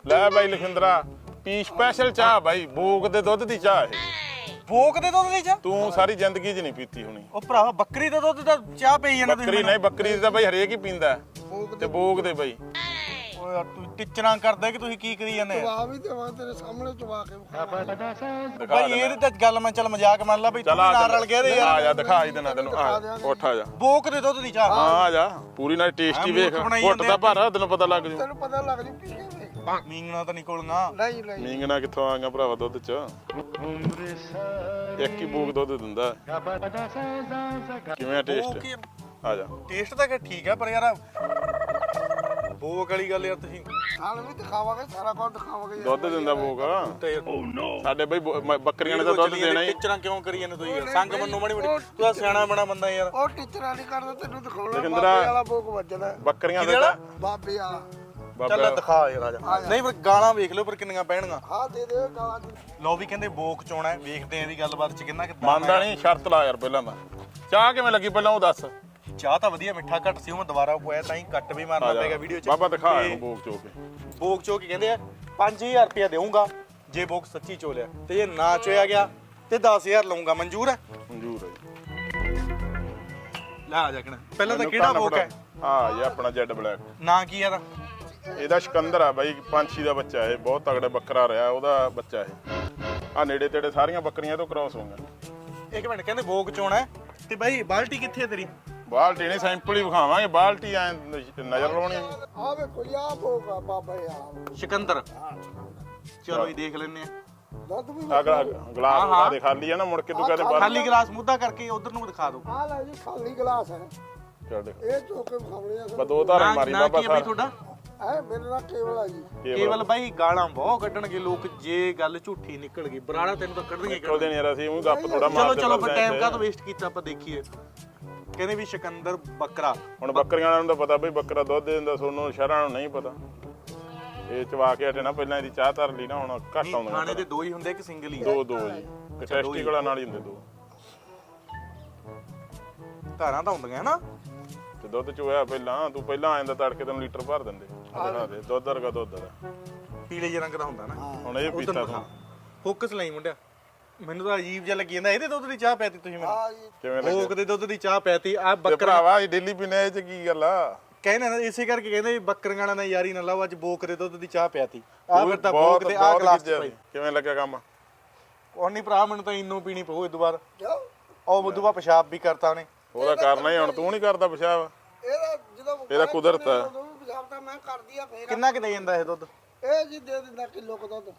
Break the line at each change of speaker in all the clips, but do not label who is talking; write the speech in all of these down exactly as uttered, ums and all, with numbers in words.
ਲੈ ਬਾਈ ਲਖਿੰਦਰਾ ਪੀ ਸਪੈਸ਼ਲ ਚਾਹ ਬਾਈ ਬੋਕ ਦੇ ਦੁੱਧ ਦੀ ਚਾਹ ਇਹ
ਬੋਕ ਦੇ ਦੁੱਧ ਦੀ ਚਾਹ
ਤੂੰ ਸਾਰੀ ਜ਼ਿੰਦਗੀ 'ਚ ਨਹੀਂ ਪੀਤੀ ਹੋਣੀ।
ਉਹ ਭਰਾ ਬੱਕਰੀ ਦੇ ਦੁੱਧ ਦਾ ਚਾਹ ਪਈ ਜਾਂਦਾ
ਬੱਕਰੀ ਨਹੀਂ ਬੱਕਰੀ ਦਾ ਬਾਈ ਹਰੇਕ ਹੀ ਪੀਂਦਾ ਤੇ ਬੋਕ ਦੇ ਬਾਈ
ਓਏ ਯਾਰ ਤੂੰ ਟਿਚਰਾਂ ਕਰਦਾ ਕਿ ਤੁਸੀਂ ਕੀ ਕਰੀ ਜਾਂਦੇ
ਚਵਾ ਵੀ ਦੇਵਾਂ ਤੇਰੇ ਸਾਹਮਣੇ ਚਵਾ ਕੇ ਵਿਖਾ।
ਬਾਈ ਇਹਦੀ ਤਾਂ ਗੱਲ ਮੈਂ ਚੱਲ ਮਜ਼ਾਕ ਮੰਨ ਲਾ ਬਈ ਤੂੰ
ਚਲ ਆ
ਨਾਲ ਰਲ ਗਿਆ ਤੇ
ਆ
ਯਾਰ
ਜਾ ਦਿਖਾ ਹੀ ਦੇਣਾ ਤੈਨੂੰ ਆ ਉੱਠ ਆ ਜਾ
ਬੋਕ ਦੇ ਦੁੱਧ ਦੀ ਚਾਹ
ਹਾਂ ਆ ਜਾ ਪੂਰੀ ਨਾਲ ਟੇਸਟੀ ਵੇਖ
ਮੂਰਖ ਬਣਾਈ
ਘੁੱਟ ਦਾ ਭਾਰਾ ਤੈਨੂੰ ਪਤਾ ਲੱਗ ਜੂ
ਤੈਨੂੰ ਪਤਾ ਲੱਗ ਜੂ ਪੀ ਕੇ
ਮੀਂਗਣਾ ਤਾਂ ਨਿਕਲਣਾ
ਨਹੀਂ ਨਹੀਂ
ਮੀਂਗਣਾ ਕਿੱਥੋਂ ਆਂਗਾ ਭਰਾਵਾ ਦੁੱਧ 'ਚ ਇੱਕ ਹੀ ਬੋਕ ਦੁੱਧ ਦਿੰਦਾ ਕਿਵੇਂ ਟੇਸਟ ਆ ਜਾ
ਟੇਸਟ ਤਾਂ ਕਿ ਠੀਕ ਆ ਪਰ ਯਾਰ ਬੋਕ ਵਾਲੀ ਗੱਲ ਯਾਰ ਤੁਸੀਂ
ਹਾਲ ਵੀ ਦਿਖਾਵਾਂਗੇ ਸਾਰਾ ਕੁਝ ਦਿਖਾਵਾਂਗੇ
ਦੁੱਧ ਦਿੰਦਾ ਬੋਕ
ਤੇ
ਸਾਡੇ ਬਈ ਬੋ- ਮ- ਬੱਕਰੀਆਂ ਨੇ ਤਾਂ ਦੁੱਧ ਦੇਣਾ ਹੀ
ਟਿਚਰਾਂ ਕਿਉਂ ਕਰੀ ਜਾਂਦੇ ਤੁਸੀਂ ਯਾਰ ਸੰਗ ਮੰਨੋ ਮਾੜੀ ਮੋਟੀ ਤੂੰ ਤਾਂ ਸਿਆਣਾ ਬਣਾ ਬੰਦਾ ਯਾਰ
ਉਹ ਟੀਚਰਾਂ ਨਹੀਂ ਕਰਦਾ ਤੈਨੂੰ ਦਿਖਾਉਣਾ
ਲਖਿੰਦਰਾ-
ਬਾਬੇ ਵਾਲਾ ਬੋਕ ਵੱਜਦਾ
ਬੱਕਰੀਆਂ
ਕਿਹਦੇ
ਦੇ
ਵਾਲਾ?
ਤਾਂ
ਬਾਬੇ ਵਾਲਾ
ਚੱਲ
ਬਾਬਾ
ਦਿਖਾ ਯਾਰ ਆ ਜਾ ਨਹੀਂ ਪਰ ਗਾਲਾਂ ਵੇਖ ਲਿਓ ਪਰ ਕਿੰਨੀਆਂ ਪੈਣਗੀਆਂ
ਹਾਂ ਦੇ ਦੇ ਗਾਲਾਂ ਦੀ
ਲੋ ਵੀ ਕਹਿੰਦੇ ਬੋਕ ਚੋਣਾ ਹੈ ਵੇਖਦੇ ਆਂ ਇਹਦੀ ਗੱਲਬਾਤ ਚ ਕਿੰਨਾ ਕਿਦਾਂ
ਮੰਨਦਾ ਨਹੀਂ ਸ਼ਰਤ ਲਾ ਯਾਰ ਪਹਿਲਾਂ ਤਾਂ ਚਾਹ ਕਿਵੇਂ ਲੱਗੀ ਪਹਿਲਾਂ ਉਹ ਦੱਸ
ਚਾਹ ਤਾਂ ਵਧੀਆ ਮਿੱਠਾ ਘੱਟ ਸੀ ਉਹ ਮੈਂ ਦੁਬਾਰਾ ਪੋਇਆ ਤਾਂ ਹੀ ਕੱਟ ਵੀ ਮਾਰਨਾ ਪੈਗਾ ਵੀਡੀਓ ਚ
ਬਾਬਾ ਦਿਖਾ
ਤੇ
ਇਹਨੂੰ ਬੋਕ ਚੋ ਕੇ
ਬੋਕ ਚੋ ਕੇ ਕਹਿੰਦੇ ਆ ਪੰਜ ਹਜ਼ਾਰ ਰੁਪਇਆ ਦੇਵਾਂਗਾ ਜੇ ਬੋਕ ਸੱਚੀ ਚੋਲਿਆ ਤੇ ਜੇ ਨਾ ਚੋਇਆ ਗਿਆ ਤੇ ਦਸ ਹਜ਼ਾਰ ਲਵਾਂਗਾ ਮਨਜ਼ੂਰ ਹੈ
ਮਨਜ਼ੂਰ ਹੈ ਜੀ।
ਲੈ ਆ ਜਾ ਕਿਣਾ ਪਹਿਲਾਂ ਤਾਂ ਕਿਹੜਾ ਬੋਕ ਹੈ
ਹਾਂ ਇਹ ਆਪਣਾ ਜੈਡ ਬਲੈਕ
ਨਾਂ ਕੀ ਆ ਦਾ
ਇਹਦਾ ਸਿਕੰਦਰ ਆ ਬਾਈ ਪੰਛੀ ਦਾ ਬੱਚਾ ਇਹ ਬਹੁਤ ਤਗੜਾ ਬੱਕਰਾ ਰਿਹਾ ਉਹਦਾ ਬੱਚਾ ਇਹ ਆ ਨੇੜੇ ਤੇੜੇ ਸਾਰੀਆਂ ਬੱਕਰੀਆਂ ਤੋਂ ਕ੍ਰਾਸ ਹੋਈਆਂ
ਇੱਕ ਮਿੰਟ ਕਹਿੰਦੇ ਬੋਕ ਚੋਣਾ ਹੈ ਤੇ ਬਾਈ ਬਾਲਟੀ ਕਿੱਥੇ ਹੈ ਤੇਰੀ
ਬਾਲਟੀ ਨਹੀਂ ਸੈਂਪਲ ਹੀ ਵਿਖਾਵਾਂਗੇ ਬਾਲਟੀ ਐ ਨਜ਼ਰ ਲਾਉਣੀ
ਆ ਵੇਖੋ ਜੀ ਆ ਬੋਕ ਆ ਬਾਬਾ ਯਾਰ
ਸਿਕੰਦਰ ਚਲੋ ਇਹ ਦੇਖ ਲੈਨੇ ਆ
ਦੁੱਧ ਵੀ
ਅਗਲਾ ਗਲਾਸ ਉਹਦਾ ਦੇ ਖਾਲੀ ਆ ਨਾ ਮੁੜ ਕੇ ਤੂੰ ਕਹਦੇ ਬਾਹਰ
ਖਾਲੀ ਗਲਾਸ ਮੁੱਦਾ ਕਰਕੇ ਉਧਰ ਨੂੰ ਦਿਖਾ ਦਿਓ
ਆ ਲੈ ਜੀ ਖਾਲੀ ਗਲਾਸ ਹੈ
ਚੱਲ ਦੇਖ
ਇਹ ਚੋਕੇ ਵਿਖਾਉਣੇ ਆ
ਬਸ ਦੋ ਧਾਰਾਂ ਮਾਰੀ
ਨਾਂ
ਬਾਬਾ
ਕੀ ਹੈ ਬਾਈ
ਸਾਹਿਬ
ਤੁਹਾਡਾ
ਐ ਮੇਰੇ ਨਾਲ ਕੇਵਲ ਆ ਜੀ
ਕੇਵਲ ਬਾਈ ਗਾਲਾਂ ਬਹੁਤ ਕੱਢਣਗੇ ਲੋਕ ਜੇ ਗੱਲ ਝੂਠੀ ਨਿਕਲ ਗਈ ਬਰਾੜਾ ਤੈਨੂੰ ਤਾਂ ਕੱਢਣਗੇ ਹੀ
ਉਹਦੇ ਨਹੀਂ ਯਾਰ ਅਸੀਂ ਉਹ ਗੱਪ ਥੋੜਾ
ਚਲੋ
ਮਾਰਦੇ
ਚਲੋ ਫਿਰ
ਫਿਰਦੇ
ਟਾਈਮ
ਆਂ
ਕਾ ਤਾਂ ਵੇਸਟ ਕੀਤਾ ਆਪਾਂ ਦੇਖੀਏ ਕਹਿੰਦੇ ਵੀ ਸਿਕੰਦਰ ਬੱਕਰਾ
ਹੁਣ ਬੱਕਰੀਆਂ ਵਾਲਿਆਂ ਨੂੰ ਤਾਂ ਪਤਾ ਬਈ ਬੱਕਰਾ ਦੁੱਧ ਦੇ ਦਿੰਦਾ ਸੋਨੂੰ ਸ਼ਹਿਰਾਂ ਨੂੰ ਨਹੀਂ ਪਤਾ ਇਹ ਚਵਾ ਕੇ ਹਟੇ ਨਾ ਪਹਿਲਾਂ ਇਹਦੀ ਚਾਹ ਧਰ ਲਈ ਨਾ ਹੁਣ ਘੱਟ ਆਉਂਦਾ
ਖਾਣੇ ਦੇ ਦੋ ਹੀ ਹੁੰਦੇ ਕਿ ਸਿੰਗਲ ਹੀ
ਦੋ ਦੋ ਜੀ ਤੇ ਟੈਸਟੀਕਲਾਂ ਨਾਲ ਹੀ ਹੁੰਦੇ ਦੋ
ਧਾਰਾਂ ਤਾਂ ਹੁੰਦੀਆਂ ਨਾ
ਤੇ ਦੁੱਧ ਚੋਇਆ ਪਹਿਲਾਂ ਤੂੰ ਪਹਿਲਾਂ ਆ ਜਾਂਦਾ ਤੜਕੇ ਤੈਨੂੰ ਲੀਟਰ ਭਰ ਦਿੰਦੇ ਆਹ ਦਿਖਾ ਦੇ ਦੁੱਧ ਵਰਗਾ ਦੁੱਧ ਦਾ
ਪੀਲੇ ਜਿਹੇ ਰੰਗ ਦਾ ਹੁੰਦਾ ਨਾ
ਹੁਣ ਇਹ ਪੀਤਾ ਤੂੰ
ਫੋਕਸ ਲਈ ਮੁੰਡਿਆ ਮੈਨੂੰ ਤਾਂ ਅਜੀਬ ਜਿਹਾ ਲੱਗੀ ਜਾਂਦਾ ਇਹਦੇ ਦੁੱਧ ਦੀ ਚਾਹ ਪੈਤੀ ਤੁਸੀਂ ਮੈਨੂੰ
ਆ ਜੀ
ਕਿਵੇਂ ਲੱਗੇ
ਫੋਕ ਦੇ ਦੁੱਧ ਦੀ ਚਾਹ ਪੈਤੀ ਆ
ਤੇ
ਬੱਕਰਾ
ਭਰਾਵਾ ਇਹ ਡੇਲੀ ਪੀਣੇ ਇਹ ਚ ਕੀ ਗੱਲ ਆ
ਕਹਿੰਦੇ ਨਾ ਇਸੇ ਕਰਕੇ ਕਹਿੰਦੇ ਵੀ ਬੱਕਰੀਆਂ ਨਾਲ ਯਾਰੀ ਨਾ ਲਾਓ ਅੱਜ ਬੋਕ ਦੇ ਦੁੱਧ ਦੀ ਚਾਹ ਪਿਆਤੀ ਆ ਫਿਰ ਤਾਂ
ਬਹੁਤ-
ਬੋਕ ਦੇ ਆ
ਬਹੁਤ
ਗਲਾਸ
ਚੀਜ਼ਾਂ
ਭਾਈ
ਕਿਵੇਂ ਲੱਗਿਆ ਕੰਮ
ਉਹ ਨਹੀਂ ਭਰਾ ਮੈਨੂੰ ਤਾਂ ਇੰਨੋ ਪੀਣੀ ਪਊ ਇਹ ਦੁਬਾਰਾ
ਜਾਓ
ਉਹ ਉਦੋਂ ਬਾਅਦ ਪਿਸ਼ਾਬ ਵੀ ਕਰਤਾ ਉਹਨੇ
ਉਹਦਾ ਕਰਨਾ ਹੀ ਹੁਣ ਤੂੰ ਨਹੀਂ ਕਰਦਾ ਪਿਸ਼ਾਬ
ਇਹਦਾ ਜਦੋਂ
ਇਹਦਾ ਕੁਦਰਤ ਹੈ।
ਉਦੋਂ ਵੀ ਪਿਸ਼ਾਬ ਤਾਂ ਮੈਂ ਕਰਦੀ ਆ ਫੇਰ
ਕਿੰਨਾ ਕਿ ਦੇ ਜਾਂਦਾ ਇਹ ਦੁੱਧ
ਇਹ ਜੀ ਦੇ ਦਿੰਦਾ ਕਿਲੋ ਕੁ ਦੁੱਧ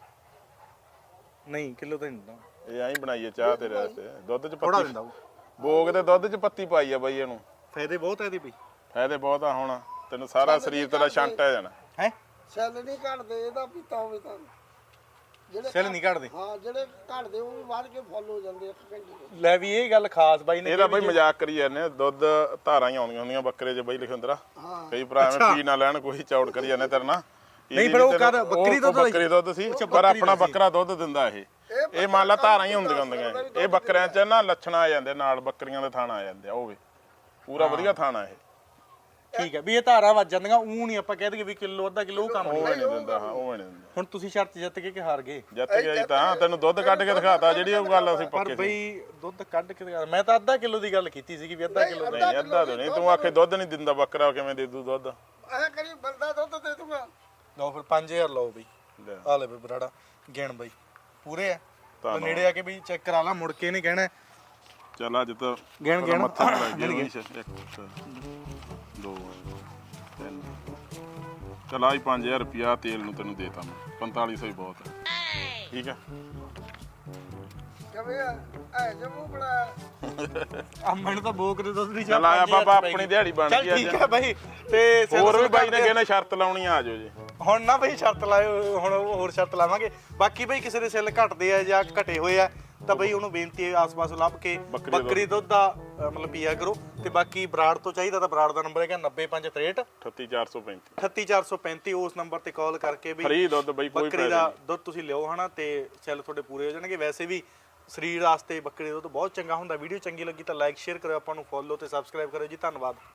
ਨਹੀਂ ਕਿਲੋ ਤਾਂ ਨਹੀਂ ਦਿੰਦਾ
ਇਹ ਐਂ ਬਣਾਈਏ ਚਾਹ ਤੇਰੇ ਵਾਸਤੇ ਦੁੱਧ ਚ
ਥੋੜਾ
ਪੱਤੀ
ਦਿੰਦਾ ਉਹ
ਬੋਗ ਦੇ ਦੁੱਧ ਚ ਪੱਤੀ ਪਾਈ ਆ ਬਾਈ ਇਹਨੂੰ
ਫਾਇਦੇ ਬਹੁਤ ਆ ਇਹਦੇ ਵੀ
ਫਾਇਦੇ ਬਹੁਤ ਆ ਹੁਣ ਤੈਨੂੰ ਸਾਰਾ ਸਰੀਰ ਤੇਰਾ ਛੰਟ ਆ ਜਾਣਾ
ਹੈ
ਸੈੱਲ ਨਹੀਂ ਘਟਦੇ ਇਹਦਾ ਪੀਤਾ ਹੋਵੇ ਤਾਂ ਜਿਹੜੇ
ਸੈੱਲ ਨਹੀਂ ਕੱਢਦੇ
ਹਾਂ ਜਿਹੜੇ ਘਟਦੇ ਉਹ ਵੀ ਵੱਧ ਕੇ ਫੁੱਲ ਹੋ ਜਾਂਦੇ ਇੱਕ ਘੰਟੇ
ਲੈ ਵੀ ਇਹ ਗੱਲ ਖਾਸ ਬਾਈ ਨੇ
ਇਹਦਾ ਬਾਈ ਮਜ਼ਾਕ ਕਰੀ ਜਾਂਦੇ ਆ, ਦੁੱਧ ਧਾਰਾਂ ਹੀ ਆਉਂਦੀਆਂ ਹੁੰਦੀਆਂ ਬੱਕਰੇ 'ਚ ਬਾਈ ਲਿਖਿੰਦਰਾ
ਹਾਂ
ਕਈ ਭਰਾ ਐਵੇਂ ਪੀ ਨਾ ਲੈਣ ਕੋਈ ਚੌੜ ਕਰੀ ਜਾਂਦੇ ਤੇਰੇ ਨਾਲ
ਨਹੀਂ ਫਿਰ ਉਹ ਕਰ ਬੱਕਰੀ ਦੁੱਧ
ਬੱਕਰੀ ਦੁੱਧ ਸੀ ਪਰ ਆਪਣਾ ਬੱਕਰਾ ਦੁੱਧ ਦਿੰਦਾ ਇਹ ਇਹ ਮੰਨ ਲਾ ਧਾਰਾਂ ਹੀ ਹੁੰਦੀਆਂ ਹੁੰਦੀਆਂ ਇਹ ਬੱਕਰਿਆਂ 'ਚ ਨਾ ਲੱਛਣ ਆ ਜਾਂਦੇ ਨਾਲ ਬੱਕਰੀਆਂ ਦੇ ਥਾਣਾ ਆ ਜਾਂਦੇ ਆ ਉਹ ਵੀ ਪੂਰਾ ਵਧੀਆ ਥਾਣਾ ਇਹ
ਠੀਕ ਹੈ ਵੀ ਇਹ ਧਾਰਾ ਵੱਜ ਜਾਂਦੀਆਂ ਉਹ ਨਹੀਂ ਆਪਾਂ ਕਹਿ ਦਈਏ ਵੀ ਕਿਲੋ ਅੱਧਾ ਕਿਲੋ ਉਹ ਕੰਮ
ਉਹ
ਨਹੀਂ
ਨਹੀਂ ਦਿੰਦਾ ਹਾਂ ਉਹ ਨਹੀਂ ਦਿੰਦਾ
ਹੁਣ ਤੁਸੀਂ ਸ਼ਰਤ ਜਿੱਤ ਕੇ ਕਿ ਹਾਰ ਗਏ
ਜਿੱਤ ਗਿਆ ਜੀ ਤਾਂ ਤੈਨੂੰ ਦੁੱਧ ਕੱਢ ਕੇ ਦਿਖਾਤਾ ਜਿਹੜੀ ਉਹ ਗੱਲ ਅਸੀਂ
ਪਰ
ਪੱਕੇ ਸੀ
ਬਈ ਦੁੱਧ ਕੱਢ ਕੇ ਦਿਖਾ- ਮੈਂ ਤਾਂ ਅੱਧਾ ਕਿਲੋ ਦੀ ਗੱਲ ਕੀਤੀ ਸੀਗੀ ਵੀ ਅੱਧਾ ਕਿਲੋ
ਨਹੀਂ ਅੱਧਾ ਤੋਂ ਨਹੀਂ ਤੂੰ ਆਖੇ ਦੁੱਧ ਨਹੀਂ ਦਿੰਦਾ ਬੱਕਰਾ ਕਿਵੇਂ ਦੇ ਦੂ ਦੁੱਧ
ਐ ਕਰੀ ਬੰਦਾ ਦੁੱਧ ਦੇ ਦੂੰਗਾ
ਲਓ ਫਿਰ ਪੰਜ ਹਜ਼ਾਰ ਲਓ ਬਈ
ਲੈ।
ਆ ਲੈ ਬਈ ਬਰਾੜਾ ਗਿਣ ਬਈ ਪੂਰੇ ਆ
ਧੰਨਵਾਦ।
ਨੇੜੇ ਆ ਕੇ ਬਈ ਚੈੱਕ ਕਰਾ ਲਾ ਮੁੜ ਕੇ ਨਹੀਂ ਕਹਿਣਾ
ਚੱਲ ਅੱਜ ਤਾਂ
ਗਿਣ ਗਿਣ
ਮੱਥਾ ਨੀ ਲੱਗ ਗਿਆ ਇੱਕ ਦੋ ਤਿੰਨ ਚੱਲ ਆਈ ਪੰਜ ਹਜ਼ਾਰ ਰੁਪਿਆ ਤੇਲ ਨੂੰ ਤੈਨੂੰ ਦੇਤਾ ਮੈਂ ਪੰਤਾਲੀ ਸੌ ਹੀ ਬਹੁਤ ਹੈ ਠੀਕ ਹੈ
ਕਿਵੇਂ ਆ ਐ ਜਮੂ ਬੜਾ
ਆ ਮੈਨੂੰ ਤਾਂ ਬੋਕ ਦੇ ਦੁੱਧ ਦੀ
ਚੱਲ ਆਇਆ ਬਾਬਾ ਆਪਣੀ ਦਿਹਾੜੀ ਬਣ
ਚੱਲ
ਗਈ
ਠੀਕ
ਅੱਜ
ਹੈ ਬਾਈ ਤੇ
ਹੋਰ ਵੀ ਬਾਈ ਨੇ ਕਹਿੰਦਾ ਸ਼ਰਤ ਲਾਉਣੀ ਆ ਜਾਓ ਜੀ
ਹੁਣ ਨਾ ਬਈ ਸ਼ਰਤ ਲਾਇਓ ਹੁਣ ਹੋਰ ਸ਼ਰਤ ਲਾਵਾਂਗੇ ਬਾਕੀ ਬਈ ਕਿਸੇ ਦੇ ਸੈੱਲ ਘਟਦੇ ਆ ਜਾਂ ਘਟੇ ਹੋਏ ਆ ਤਾਂ ਬਈ ਉਹਨੂੰ ਬੇਨਤੀ ਹੈ ਆਸ-ਪਾਸ ਲੱਭ ਕੇ ਬੱਕਰੀ ਦੁੱਧ ਦਾ ਅ, ਮਤਲਬ ਪੀਆ ਕਰੋ ਤੇ ਬਾਕੀ ਬਰਾੜ ਤੋਂ ਚਾਹੀਦਾ ਤਾਂ ਬਰਾੜ ਦਾ ਨੰਬਰ ਹੈਗਾ ਨੱਬੇ ਪੰਜ ਤਰੇਹਠ
ਅਠੱਤੀ ਚਾਰ ਸੌ ਪੈਂਤੀ
ਅਠੱਤੀ ਚਾਰ ਸੌ ਪੈਂਤੀ ਉਸ ਨੰਬਰ ਤੇ ਕਾਲ ਕਰਕੇ ਵੀ
ਫਰੀ ਦੁੱਧ ਬਈ ਕੋਈ
ਬੱਕਰੀ ਦਾ ਦੁੱਧ ਤੁਸੀਂ ਲਿਓ ਹਨਾ ਤੇ ਸੈੱਲ ਤੁਹਾਡੇ ਪੂਰੇ ਹੋ ਜਾਣਗੇ ਵੈਸੇ ਵੀ ਸਰੀਰ ਵਾਸਤੇ ਬੱਕਰੀ ਦਾ ਦੁੱਧ ਬਹੁਤ ਚੰਗਾ ਹੁੰਦਾ ਵੀਡੀਓ ਚੰਗੀ ਲੱਗੀ ਤਾਂ ਲਾਈਕ ਸ਼ੇਅਰ ਕਰਿਓ ਆਪਾਂ ਨੂੰ ਫੋਲੋ ਤੇ ਸਬਸਕ੍ਰਾਈਬ ਕਰਿਓ ਜੀ ਧੰਨਵਾਦ